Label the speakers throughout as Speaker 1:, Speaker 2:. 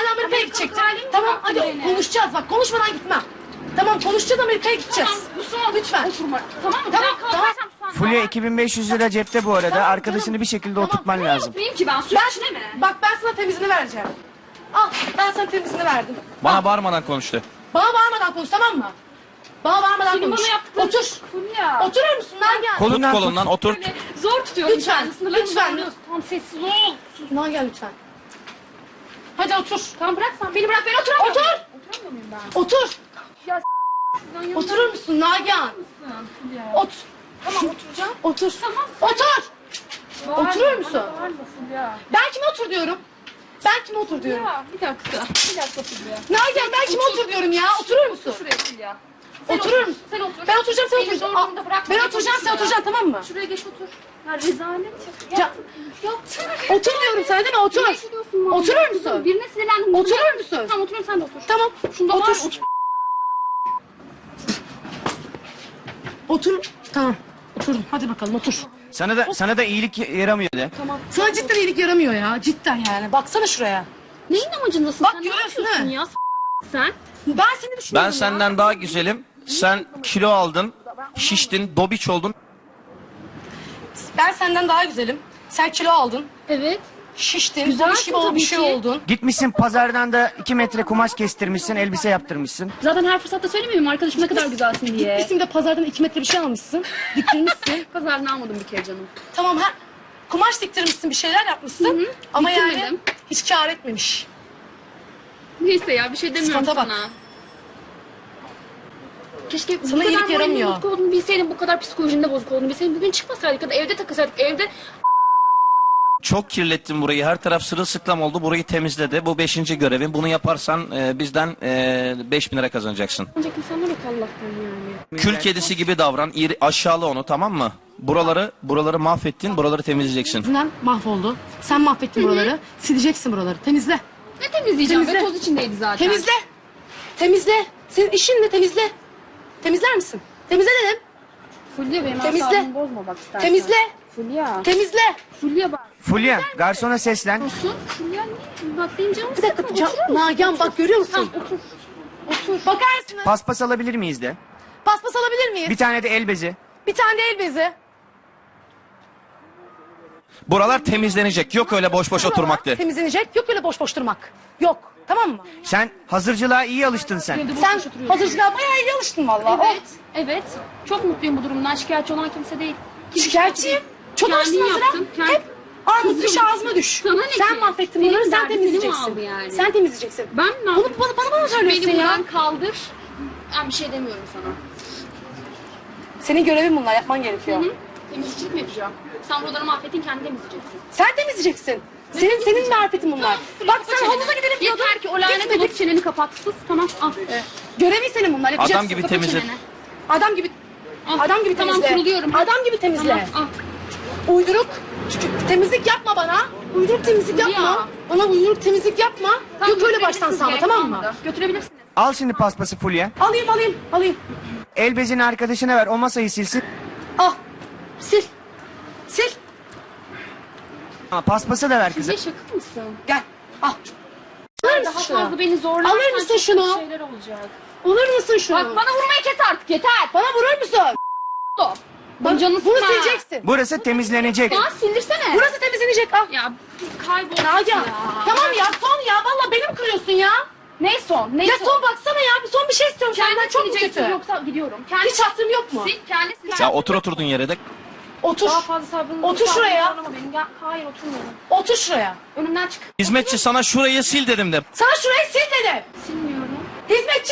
Speaker 1: Amerika'ya gidecektim.
Speaker 2: halim
Speaker 1: Tamam
Speaker 2: bıraktı
Speaker 1: hadi
Speaker 2: beni.
Speaker 1: konuşacağız bak konuşmadan gitmem. Tamam konuşacağız Amerika'ya gideceğiz.
Speaker 2: Tamam bu son.
Speaker 1: Lütfen.
Speaker 2: Oturma. Tamam mı?
Speaker 1: Tamam,
Speaker 2: Ben kalkarsam sonra.
Speaker 3: Fulya 2500 lira cepte bu arada.
Speaker 1: Tamam,
Speaker 3: Arkadaşını
Speaker 1: canım.
Speaker 3: bir şekilde
Speaker 1: Tamam.
Speaker 3: oturtman lazım.
Speaker 2: Unutmayayım ki ben. Su içine mi?
Speaker 1: Bak ben sana temizini vereceğim. Al ben sana temizini verdim.
Speaker 4: Bana bağırmadan konuştu.
Speaker 1: Bana bağırmadan konuş tamam mı? Bana bağırmadan
Speaker 2: Senin
Speaker 1: konuş.
Speaker 2: bana yaptıkların...
Speaker 1: Otur.
Speaker 2: Fulya.
Speaker 1: Oturur musun Nagihan?
Speaker 4: Tut
Speaker 3: Kolundan tut.
Speaker 4: kolundan otur.
Speaker 2: Böyle zor tutuyorum.
Speaker 1: Lütfen,
Speaker 2: kendimi. Sınırlarımı
Speaker 1: lütfen.
Speaker 2: zorluyorsun. Tamam sessiz ol.
Speaker 1: Nagihan lütfen. Hadi otur.
Speaker 2: Tamam bırak sen. Beni bırak ben oturamıyorum.
Speaker 1: Otur.
Speaker 2: Oturamıyor muyum ben?
Speaker 1: Otur.
Speaker 2: Ya şuradan yanına
Speaker 1: Oturur musun Nagihan?
Speaker 2: mısın? Fulya.
Speaker 1: Ot. Tamam oturacağım. Otur.
Speaker 2: Tamam.
Speaker 1: Otur.
Speaker 2: Bağırma,
Speaker 1: Oturur musun?
Speaker 2: bana bağırma Fulya.
Speaker 1: Ben kime otur diyorum? Ben kime otur diyorum?
Speaker 2: Ya bir dakika. Bir dakika Fulya.
Speaker 1: Nagihan ben kime otur diyorum ya? Oturur musun?
Speaker 2: Şuraya Fulya.
Speaker 1: Oturur musun?
Speaker 2: Sen otur.
Speaker 1: Ben oturacağım sen
Speaker 2: Beni
Speaker 1: oturacaksın.
Speaker 2: zor durumda bırakma.
Speaker 1: Ben oturacağım sen oturacaksın tamam mı?
Speaker 2: Şuraya geç otur. Ya rezalet.
Speaker 1: Ya,
Speaker 2: Yapsana.
Speaker 1: otur diyorum sana değil mi? Otur.
Speaker 2: Birine şuruyorsun vallahi.
Speaker 1: Oturur musun?
Speaker 2: Birine sinirlendim.
Speaker 1: Oturur musun?
Speaker 2: Tamam oturuyorum sen de otur.
Speaker 1: Tamam.
Speaker 2: Şunda
Speaker 1: otur.
Speaker 2: var, otur.
Speaker 1: Otur. Tamam. Oturdum. Hadi bakalım otur.
Speaker 3: Sana da iyilik yaramıyor de.
Speaker 1: Sana cidden iyilik yaramıyor ya. Cidden yani. Baksana şuraya.
Speaker 2: Neyin amacındasın
Speaker 1: Bak,
Speaker 2: sen?
Speaker 1: görüyorsun
Speaker 2: Ne yapıyorsun
Speaker 1: ha?
Speaker 2: ya? Sen?
Speaker 1: Ben seni düşünüyorum
Speaker 4: Ben
Speaker 1: ya.
Speaker 4: senden daha güzelim. Sen kilo aldın, şiştin, dobiç oldun.
Speaker 1: Ben senden daha güzelim. Sen kilo aldın.
Speaker 2: Evet.
Speaker 1: Şiştin.
Speaker 2: Güzelsin
Speaker 1: Babiş gibi ol, bir
Speaker 2: tabii
Speaker 1: şey
Speaker 2: ki.
Speaker 1: oldun.
Speaker 3: Gitmişsin pazardan da 2 metre kumaş kestirmişsin, elbise yaptırmışsın.
Speaker 2: Zaten her fırsatta söylemiyorum arkadaşım ne kadar güzelsin diye.
Speaker 1: Gitmişsin de pazardan 2 metre bir şey almışsın. Diktirmişsin.
Speaker 2: Pazardan almadım bir kere canım.
Speaker 1: Tamam ha. Kumaş diktirmişsin bir şeyler yapmışsın. Ama yani
Speaker 2: Diktirmedim.
Speaker 1: hiç kâr etmemiş.
Speaker 2: Neyse ya bir şey demiyorum
Speaker 1: Sıfata bak.
Speaker 2: sana. Keşke
Speaker 1: Sana iyilik
Speaker 2: moralin
Speaker 1: yaramıyor.
Speaker 2: bozuk olduğunu bilseydim, bu kadar psikolojinde bozuk olduğunu bilseydim bugün çıkmasaydık ya da evde takılsaydık evde.
Speaker 4: Çok kirlettin burayı. Her taraf sırılsıklam oldu. Burayı temizledi. Bu 5. görevin. Bunu yaparsan bizden 5.000 lira kazanacaksın.
Speaker 2: Ancak insanlar yok Allah'tan yani.
Speaker 4: Kül kedisi gibi davran. Aşağıla onu, tamam mı? Buraları mahvettin. Buraları temizleyeceksin.
Speaker 1: Yüzünden mahvoldu. Sen mahvettin buraları. Sileceksin buraları. Temizle.
Speaker 2: Ne temizleyeceğim
Speaker 1: Temizle.
Speaker 2: be, toz içindeydi zaten.
Speaker 1: Temizle. Temizle. Senin işin ne? Temizle. Temizler misin? Temizle dedim.
Speaker 2: Fulya benim
Speaker 1: Temizle.
Speaker 2: asabımı bozma bak istersen.
Speaker 1: Temizle.
Speaker 2: Fulya.
Speaker 1: Temizle.
Speaker 2: Fulya bak.
Speaker 3: Fulya, garsona seslen.
Speaker 2: Olsun. Fulya ne? Bak benim canım
Speaker 1: Bir dakika.
Speaker 2: sıkma, oturur musun?
Speaker 1: Nagihan bak görüyor musun?
Speaker 2: Tamam otur. Otur.
Speaker 1: Bakar mısın?
Speaker 3: Paspas alabilir miyiz de?
Speaker 1: Paspas alabilir miyiz?
Speaker 3: Bir tane de el bezi.
Speaker 1: Bir tane de el bezi.
Speaker 4: Buralar temizlenecek. Yok öyle boş boş oturmaktı.
Speaker 1: Temizlenecek. Yok öyle boş boş durmak. Yok. Tamam mı?
Speaker 3: Sen hazırcılığa iyi alıştın sen.
Speaker 2: Evde boş
Speaker 1: Sen
Speaker 2: boş oturuyorsun.
Speaker 1: hazırcılığa bayağı iyi alıştın valla.
Speaker 2: Evet. Evet. Çok mutluyum bu durumdan. Şikayetçi olan kimse değil.
Speaker 1: Şikayetçiyim. Çok
Speaker 2: Kendin
Speaker 1: alıştın hazıra.
Speaker 2: yaptın, kendin-
Speaker 1: Hep armut düş
Speaker 2: Kızım,
Speaker 1: ağzıma düş.
Speaker 2: sana ne
Speaker 1: Sen
Speaker 2: ki?
Speaker 1: mahvettin
Speaker 2: Senin
Speaker 1: bunları sen
Speaker 2: derdin seni mi
Speaker 1: temizleyeceksin.
Speaker 2: aldı yani?
Speaker 1: Sen temizleyeceksin.
Speaker 2: Ben ne
Speaker 1: Bunu
Speaker 2: yapayım?
Speaker 1: bana mı söylüyorsun
Speaker 2: Beni
Speaker 1: ya?
Speaker 2: buradan kaldır. Ben bir şey demiyorum sana.
Speaker 1: Senin görevin bunlar yapman gerekiyor.
Speaker 2: Hı? Temizlikçilik mi yapacağım? Sen buraları mahvettin, kendin temizleyeceksin.
Speaker 1: Sen temizleyeceksin. Senin marifetin bunlar. Bak sen havuza gidelim diyordun.
Speaker 2: Yeter ki o lanet
Speaker 1: Gitmedik.
Speaker 2: olup çeneni kapat. Sus tamam al.
Speaker 1: Görevin senin bunlar yapacaksın.
Speaker 4: Adam gibi
Speaker 2: Kapat
Speaker 4: temizle.
Speaker 2: çeneni.
Speaker 1: Adam gibi.
Speaker 2: Al.
Speaker 1: Adam gibi
Speaker 2: Tamam,
Speaker 1: temizle.
Speaker 2: kuruluyorum.
Speaker 1: Adam gibi temizle.
Speaker 2: Tamam al.
Speaker 1: Uyduruk temizlik yapma bana. Uyduruk temizlik
Speaker 2: Ya.
Speaker 1: yapma. Bana uyduruk temizlik yapma.
Speaker 2: Tamam,
Speaker 1: Yok öyle baştan
Speaker 2: götürebilirsiniz,
Speaker 1: sağla
Speaker 2: gerek
Speaker 1: tamam mı?
Speaker 2: kalmadı. Götürebilirsiniz.
Speaker 3: Al şimdi paspası Fulya.
Speaker 1: Alayım.
Speaker 3: El bezini arkadaşına ver, o masayı silsin.
Speaker 1: Al. Sil. Sil.
Speaker 3: Ama paspası da ver
Speaker 2: Fulya
Speaker 3: kızım.
Speaker 2: şaka mısın?
Speaker 1: Gel. Al. Alır
Speaker 2: Daha
Speaker 1: mısın şunu?
Speaker 2: fazla beni zorlarsan
Speaker 1: Alır mısın
Speaker 2: çok
Speaker 1: şunu?
Speaker 2: kötü şeyler olacak.
Speaker 1: Alır mısın şunu?
Speaker 2: Bak bana vurmayı kes artık yeter.
Speaker 1: Bana vurur musun?
Speaker 2: Stop. Bana canını
Speaker 1: Bunu
Speaker 2: sıkma.
Speaker 1: sileceksin.
Speaker 3: Burası temizlenecek.
Speaker 2: Ya sildirsene.
Speaker 1: Burası temizlenecek. Al.
Speaker 2: Ya kaybol.
Speaker 1: Nagihan. Tamam ya son ya. Valla beni mi kırıyorsun ya?
Speaker 2: Ne son? Ne
Speaker 1: Ya son baksana ya. Bir son bir şey istiyorum senden.
Speaker 2: Kendi
Speaker 1: Çok mu
Speaker 2: sileceksin
Speaker 1: kötü?
Speaker 2: yoksa gidiyorum. Kendi
Speaker 1: Hiç hattım yok mu?
Speaker 2: sil, kendi sil.
Speaker 4: Ya oturdun yere de.
Speaker 1: Otur.
Speaker 2: Daha fazla sabrını
Speaker 1: Otur şuraya.
Speaker 2: zorlama beni. Gel, hayır oturmuyorum.
Speaker 1: Otur şuraya.
Speaker 2: Önümden çık.
Speaker 4: Hizmetçi sana şurayı sil dedim de.
Speaker 1: Sana şurayı sil dedim.
Speaker 2: Silmiyorum.
Speaker 1: Hizmetçi.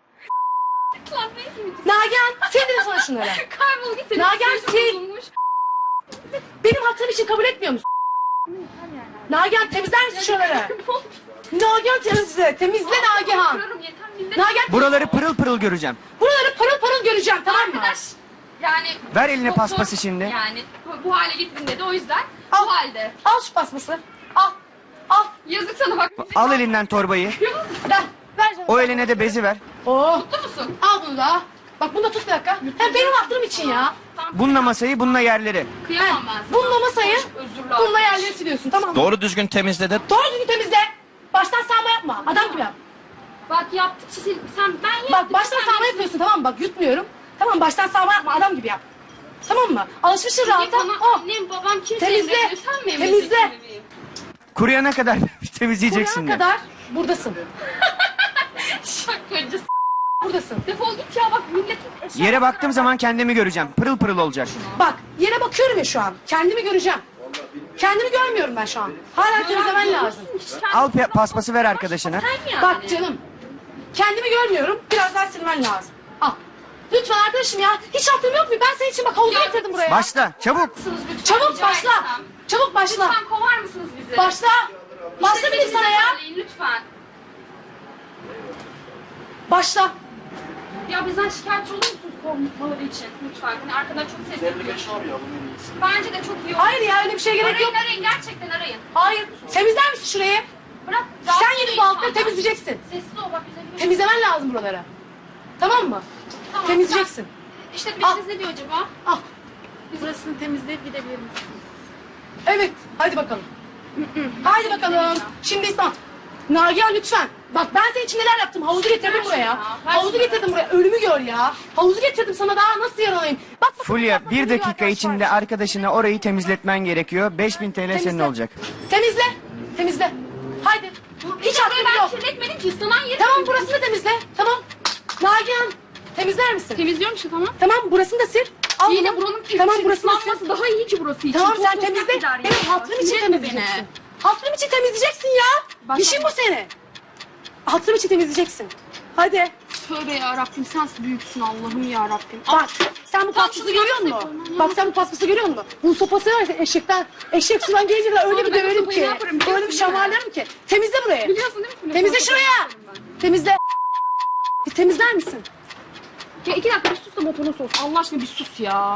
Speaker 2: Lan ne mi?
Speaker 1: Nagihan sil dedim sana şunları.
Speaker 2: Kaybol git. Senin
Speaker 1: Nagihan,
Speaker 2: psikolojin
Speaker 1: sil.
Speaker 2: bozulmuş.
Speaker 1: Benim hattım için kabul etmiyor musun? Nagihan temizler misin şuraları? Nagihan temizle. Temizle Nagihan.
Speaker 2: Oturuyorum, yeter millet.
Speaker 1: Nagihan
Speaker 3: Buraları pırıl pırıl göreceğim.
Speaker 1: buraları parıl parıl göreceğim tamam mı?
Speaker 2: Arkadaş. Yani.
Speaker 3: Ver eline
Speaker 2: çok
Speaker 3: paspası
Speaker 2: zor.
Speaker 3: şimdi.
Speaker 2: Yani bu hale gittin dedi o yüzden.
Speaker 1: Al.
Speaker 2: Bu halde.
Speaker 1: Al şu pasması. Al. Al.
Speaker 2: Yazık sana bak.
Speaker 3: Al elinden torbayı.
Speaker 1: Ver. Ver canım.
Speaker 3: O eline de bezi ver.
Speaker 1: Oh.
Speaker 2: Mutlu musun?
Speaker 1: Al bunu da. Bak bunu da tut bir dakika. Hem benim hatırım için ya.
Speaker 2: Tamam.
Speaker 3: Bununla masayı, bununla yerleri.
Speaker 2: Kıyamam ben sana.
Speaker 1: Bununla masayı,
Speaker 2: Özürler.
Speaker 1: bununla yerleri siliyorsun tamam mı?
Speaker 4: Doğru düzgün temizle de.
Speaker 1: Doğru düzgün temizle. Baştan sağma yapma. yapma. Adam gibi yap.
Speaker 2: Bak yaptıkça sen ben yaptıkça
Speaker 1: Bak baştan
Speaker 2: sen
Speaker 1: sağma yapıyorsun tamam mı? Bak yutmuyorum. Tamam baştan sağma yapma adam gibi yap. Tamam mı? Alışmışsın rahata.
Speaker 2: Bana
Speaker 1: Oh.
Speaker 2: annem babam kimse
Speaker 1: Temizle,
Speaker 2: emrediyor. Sen mi
Speaker 1: temizle.
Speaker 2: emredeceksin bebeğim?
Speaker 3: Kuruyana kadar temizleyeceksin
Speaker 1: Buraya
Speaker 3: de.
Speaker 1: kadar buradasın.
Speaker 2: Şakacı.
Speaker 1: Buradasın.
Speaker 2: Defol git ya bak milletin eşya.
Speaker 3: Yere baktığım zaman kendimi göreceğim. Pırıl pırıl olacak.
Speaker 1: Bak yere bakıyorum ya şu an. Kendimi göreceğim. Kendimi görmüyorum ben şu an. Hala temizlemen lazım.
Speaker 3: Al paspası ver arkadaşına.
Speaker 2: Sen yani.
Speaker 1: Bak canım. Kendimi görmüyorum. Biraz daha silmen lazım. Al. Lütfen arkadaşım ya. Hiç aklım yok mu? Ben senin için bak havuzu
Speaker 2: Ya,
Speaker 1: getirdim buraya.
Speaker 3: Başla çabuk.
Speaker 2: Lütfen,
Speaker 1: Çabuk
Speaker 2: rica
Speaker 1: başla.
Speaker 2: etsem.
Speaker 1: Çabuk başla.
Speaker 2: Lütfen kovar mısınız bizi?
Speaker 1: Başla. Başla dedim sana ya.
Speaker 2: Söyleyin, lütfen.
Speaker 1: Başla.
Speaker 2: Ya bizden şikayetçi olur musunuz kovmaları için? Lütfen. Hani arkadan çok ses yapıyor. Bence de çok iyi olur.
Speaker 1: Hayır ya öyle bir şey gerek
Speaker 2: Arayın
Speaker 1: yok.
Speaker 2: arayın gerçekten arayın.
Speaker 1: Hayır. Temizler misin şurayı?
Speaker 2: Bırak.
Speaker 1: Sen gidip bu altları temizleyeceksin.
Speaker 2: Sessiz ol bak güzel bir şey.
Speaker 1: Temizlemen lazım buraları. Tamam mı?
Speaker 2: Tamam,
Speaker 1: Temizleyeceksin.
Speaker 2: sen- İşte
Speaker 1: Al.
Speaker 2: biriniz ne diyor acaba?
Speaker 1: Al.
Speaker 2: Biz burasını temizleyip gidebilir misiniz?
Speaker 1: Evet. Hadi bakalım. Haydi bakalım. Şimdi İslam. Nagihan lütfen. Bak ben senin için neler yaptım. Havuzu getirdim
Speaker 2: Ver
Speaker 1: buraya.
Speaker 2: şunu ya, ver
Speaker 1: Havuzu
Speaker 2: şunu.
Speaker 1: getirdim buraya. Ölümü gör ya. Havuzu getirdim sana daha nasıl yaralayayım. Bak bakalım,
Speaker 3: Fulya
Speaker 1: bak bakalım,
Speaker 3: bir
Speaker 1: yürü
Speaker 3: dakika
Speaker 1: arkadaşlar.
Speaker 3: içinde arkadaşına orayı temizletmen gerekiyor. 5000 TL senin
Speaker 1: Temizle.
Speaker 3: olacak.
Speaker 1: Temizle. Temizle. Haydi. Hiç aklım
Speaker 2: Ben
Speaker 1: yok.
Speaker 2: kirletmedim ki ıslanan yeri.
Speaker 1: Tamam burasını da temizle. Tamam. Nagihan temizler misin?
Speaker 2: Temizliyorum işte tamam.
Speaker 1: Tamam burasını da sil. Al
Speaker 2: Yine
Speaker 1: bunu.
Speaker 2: buranın
Speaker 1: Tamam burasını da sil.
Speaker 2: ıslanması daha iyi ki burası için.
Speaker 1: Tamam
Speaker 2: Çok
Speaker 1: sen
Speaker 2: toprak
Speaker 1: temizle.
Speaker 2: gider ya.
Speaker 1: Benim hatırım için
Speaker 2: Kirletme
Speaker 1: temizleyeceksin.
Speaker 2: beni.
Speaker 1: Hatırım için temizleyeceksin ya.
Speaker 2: Bak-
Speaker 1: İşin bu senin. Hatırım için temizleyeceksin. Hadi.
Speaker 2: Tövbe ya Rabbim sen büyüksün Allah'ım ya Rabbim.
Speaker 1: Bak sen bu
Speaker 2: Tamam,
Speaker 1: paspası
Speaker 2: şunu
Speaker 1: görüyor
Speaker 2: yapsın,
Speaker 1: musun?
Speaker 2: yapalım.
Speaker 1: Bak sen bu paspası görüyor musun? Bu sopası var ya eşek sudan gelince de öyle
Speaker 2: Sonra
Speaker 1: bir
Speaker 2: ben o
Speaker 1: döverim
Speaker 2: sopayı
Speaker 1: ki.
Speaker 2: ne yaparım
Speaker 1: Öyle
Speaker 2: biliyorsun
Speaker 1: bir
Speaker 2: değil mi?
Speaker 1: şamarlarım ki. Temizle burayı.
Speaker 2: Biliyorsun değil mi?
Speaker 1: Temizle
Speaker 2: Sonra
Speaker 1: şuraya.
Speaker 2: yaparım ben.
Speaker 1: Temizle. Bir temizler misin?
Speaker 2: Ya 2 dakika bir sus da motorun soğusun. Allah aşkına bir sus ya.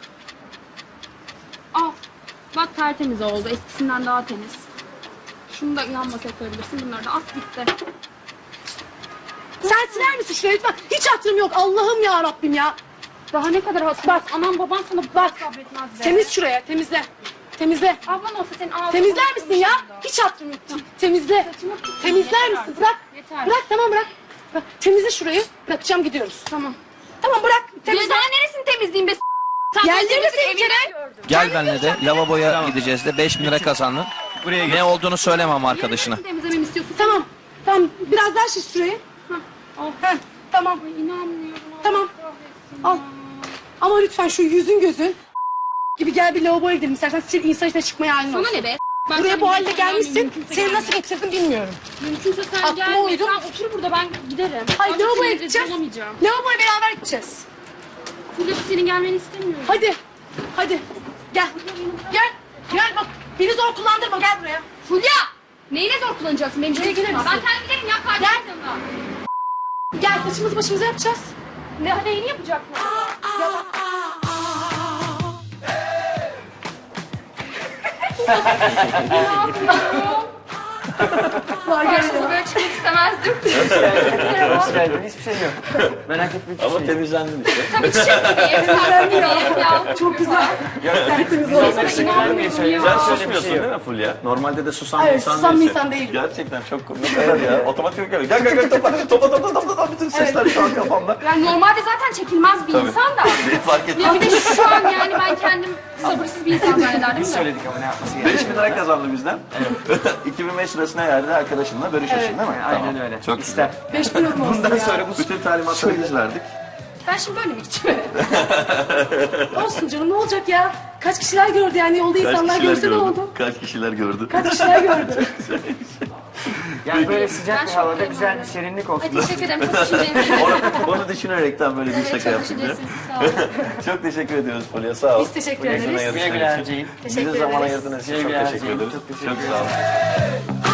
Speaker 2: Al. Bak tertemiz oldu. Eskisinden daha temiz. Şunu da yan masaya koyabilirsin. Bunları da at gitti.
Speaker 1: Sen siler misin şurayı lütfen? Hiç hatırım yok. Allah'ım ya Rabbim ya.
Speaker 2: Daha ne kadar hatırlı.
Speaker 1: Bak.
Speaker 2: Anam baban sana
Speaker 1: Bak.
Speaker 2: sabretmez be.
Speaker 1: Temiz şuraya. Temizle. Temizle.
Speaker 2: Ablan olsa senin ağzını...
Speaker 1: Temizler misin ya? Hiç hatırım yok. Temizle. Temizler
Speaker 2: Yeter
Speaker 1: misin?
Speaker 2: artık.
Speaker 1: Bırak.
Speaker 2: Yeter.
Speaker 1: Bırak tamam bırak. Bırak. Temizle şurayı. Bırakacağım gidiyoruz.
Speaker 2: Tamam.
Speaker 1: Tamam bırak.
Speaker 2: Ya
Speaker 1: Temizle.
Speaker 2: daha neresini temizleyeyim be s***? Sen
Speaker 1: Yerleri
Speaker 2: temizlik
Speaker 1: sil
Speaker 2: evini
Speaker 1: içeri.
Speaker 2: gördüm.
Speaker 4: Gel benimle de lavaboya gideceğiz de 5000 lira kazandın.
Speaker 3: Buraya gel.
Speaker 4: Ne olduğunu söylemem arkadaşına.
Speaker 2: Neresini temizlememi istiyorsun?
Speaker 1: Tamam. Tamam. Biraz daha şiş şurayı.
Speaker 2: Al.
Speaker 1: Heh. Tamam.
Speaker 2: Ay inanmıyorum.
Speaker 1: Tamam.
Speaker 2: Allah
Speaker 1: Al. Ama lütfen şu yüzün gözün gibi gel bir lavaboya gidelim. İstersen sil insan içine çıkmaya halin
Speaker 2: Sana
Speaker 1: olsun.
Speaker 2: ne be? Ben
Speaker 1: Buraya
Speaker 2: sana
Speaker 1: bu halde
Speaker 2: bir şey
Speaker 1: gelmişsin.
Speaker 2: söyleyeyim,
Speaker 1: Seni nasıl getirdim bilmiyorum.
Speaker 2: Mümkünse sen
Speaker 1: Aklıma
Speaker 2: gelme.
Speaker 1: uydum.
Speaker 2: Sen otur burada ben giderim.
Speaker 1: Hayır
Speaker 2: Artık
Speaker 1: lavaboya
Speaker 2: seni
Speaker 1: gideceğiz.
Speaker 2: rezil olamayacağım.
Speaker 1: Lavaboya beraber gideceğiz.
Speaker 2: Fulya senin gelmeni istemiyorum.
Speaker 1: Hadi. Hadi. Gel. Gel. Gel bak. Beni zor kullandırma. Gel buraya.
Speaker 2: Fulya! Neyine zor kullanacaksın benim
Speaker 1: Buraya
Speaker 2: için?
Speaker 1: gelir
Speaker 2: Ben
Speaker 1: misin?
Speaker 2: kendim giderim ya kardeşim
Speaker 1: Gel.
Speaker 2: yanına.
Speaker 1: Gel saçımızı başımıza yapacağız.
Speaker 2: Neyini yapacaksın?
Speaker 1: Ya bak.
Speaker 2: Karşınıza böyle çıkmak istemezdim.
Speaker 3: Hiçbir şey yok. Merak etme hiçbir şey yok.
Speaker 4: temizlendin işte.
Speaker 2: Tabii çiçek gibiyim. Sen gibiyim ya.
Speaker 1: Çok güzel. Tertemiz oldu.
Speaker 4: Sen susmuyorsun değil mi Fulya? Normalde de susan bir
Speaker 1: Evet,
Speaker 4: insan
Speaker 1: susan bir
Speaker 4: değilsin.
Speaker 1: insan değilim.
Speaker 4: Gerçekten çok komik. Ne kadar ya? Otomatik geliyor. Gel topa bütün sesler şu an kafamda.
Speaker 2: Yani normalde zaten çekilmez bir insan da.
Speaker 4: Beni fark ettim.
Speaker 2: Ya bir de şu an yani ben kendim sabırsız bir insan zannederdim
Speaker 3: Biz
Speaker 2: de.
Speaker 3: söyledik ama ne yapması gerekiyor.
Speaker 4: 5000 lira kazandı bizden. 2005 lirasına yerde arkadaşınla bölüşürsün değil mi?
Speaker 3: Aynen öyle.
Speaker 4: Çok
Speaker 3: İster.
Speaker 4: güzel.
Speaker 1: 5000 euro olsun
Speaker 3: Bundan
Speaker 1: ya.
Speaker 3: sonra bu
Speaker 4: Bütün talimatları biz verdik.
Speaker 2: Ben şimdi böyle mi gideceğim?
Speaker 1: Olsun canım ne olacak ya? Kaç kişiler gördü yani yolda insanlar görse ne oldu?
Speaker 4: Kaç kişiler gördü?
Speaker 1: Kaç kişiler gördü?
Speaker 3: yani böyle sıcak
Speaker 2: Ben
Speaker 3: bir
Speaker 2: çok
Speaker 3: havada
Speaker 2: memnunum.
Speaker 3: güzel bir serinlik olsun.
Speaker 2: Ay teşekkür ederim. Çok düşüncelisiniz.
Speaker 4: Onu düşünerekten böyle bir
Speaker 2: Evet,
Speaker 4: şaka
Speaker 2: çok
Speaker 4: yaptık. ya.
Speaker 2: düşüncelisiniz. Sağ olun.
Speaker 4: Çok teşekkür ediyoruz Fulya sağ ol.
Speaker 1: Biz teşekkür
Speaker 4: Bugün
Speaker 1: ederiz.
Speaker 4: sana
Speaker 3: Güle güle
Speaker 4: yarıştığın için.
Speaker 3: harcayın.
Speaker 4: Bize
Speaker 1: Teşekkür
Speaker 4: zaman
Speaker 1: ederiz.
Speaker 4: ayırdığınız için
Speaker 3: Güle
Speaker 4: çok
Speaker 3: güle
Speaker 4: teşekkür
Speaker 3: harcayın.
Speaker 4: ederiz.
Speaker 3: Çok teşekkür
Speaker 4: Çok sağ olun.